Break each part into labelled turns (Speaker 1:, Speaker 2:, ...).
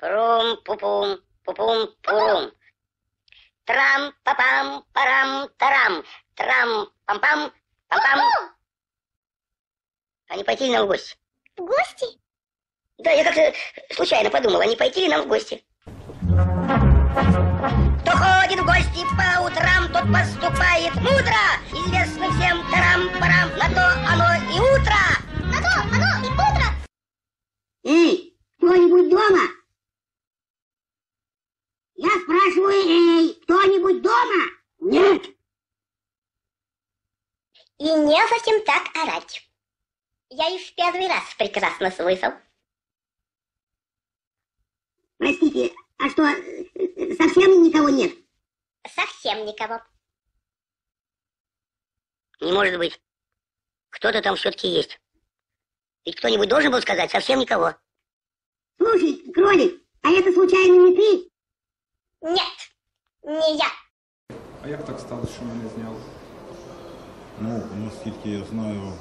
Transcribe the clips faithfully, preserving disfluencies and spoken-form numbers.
Speaker 1: Прум-пупум, пупум-пурум. Трам-папам-парам-тарам. Трам-пам-пам, пам-пам. А не пойти ли нам в гости?
Speaker 2: В гости?
Speaker 1: Да, я как-то случайно подумал, а не пойти ли нам в гости? Кто ходит в гости по утрам, тот поступает мудро. Известно всем тарам-парам, на то оно и утро.
Speaker 2: На то оно и утро.
Speaker 3: Эй, кто-нибудь дома? Я спрашиваю, эй, кто-нибудь дома? Нет.
Speaker 2: И не зачем так орать. Я их в первый раз прекрасно слышал.
Speaker 3: Простите, а что, совсем никого нет?
Speaker 2: Совсем никого.
Speaker 1: Не может быть. Кто-то там все-таки есть. Ведь кто-нибудь должен был сказать, совсем никого.
Speaker 3: Слушай, кролик, а это случайно не ты?
Speaker 2: Нет, не я.
Speaker 4: А як так сталося, що мене зняли?
Speaker 5: Ну, наскільки я знаю,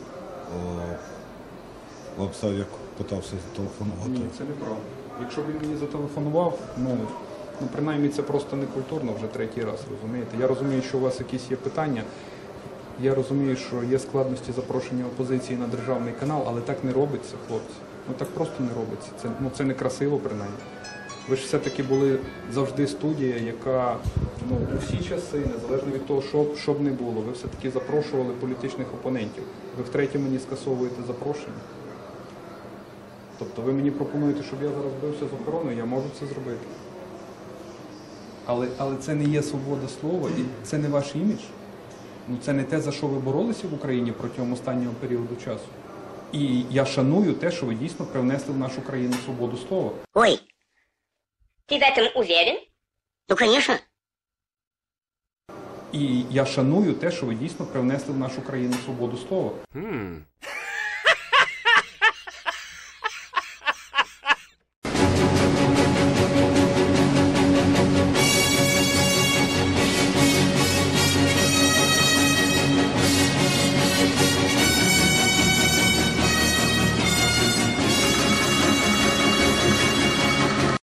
Speaker 5: Лапсавік питався зателефонувати.
Speaker 4: Ні, це неправда. Якщо він мені зателефонував, ну, ну принаймні це просто не культурно вже третій раз, розумієте? Я розумію, що у вас якісь є питання. Я розумію, що є складності запрошення опозиції на державний канал, але так не робиться, хлопці. Ну так просто не робиться. Це, ну, це не красиво, принаймні. Ви ж все-таки були завжди студія, яка, ну, у всі часи, незалежно від того, що, що б не було, ви все-таки запрошували політичних опонентів. Ви втретє мені скасовуєте запрошення. Тобто ви мені пропонуєте, щоб я зараз бився з охороною, я можу це зробити. Але, але це не є свобода слова і це не ваш імідж. Ну, це не те, за що ви боролися в Україні протягом останнього періоду часу. І я шаную те, що ви дійсно привнесли в нашу країну свободу слова.
Speaker 1: Ой,
Speaker 2: Ты в этом уверен?
Speaker 1: ну конечно.
Speaker 4: І я шаную те, що ви дійсно привнесли в нашу країну свободу слова.
Speaker 6: Hmm.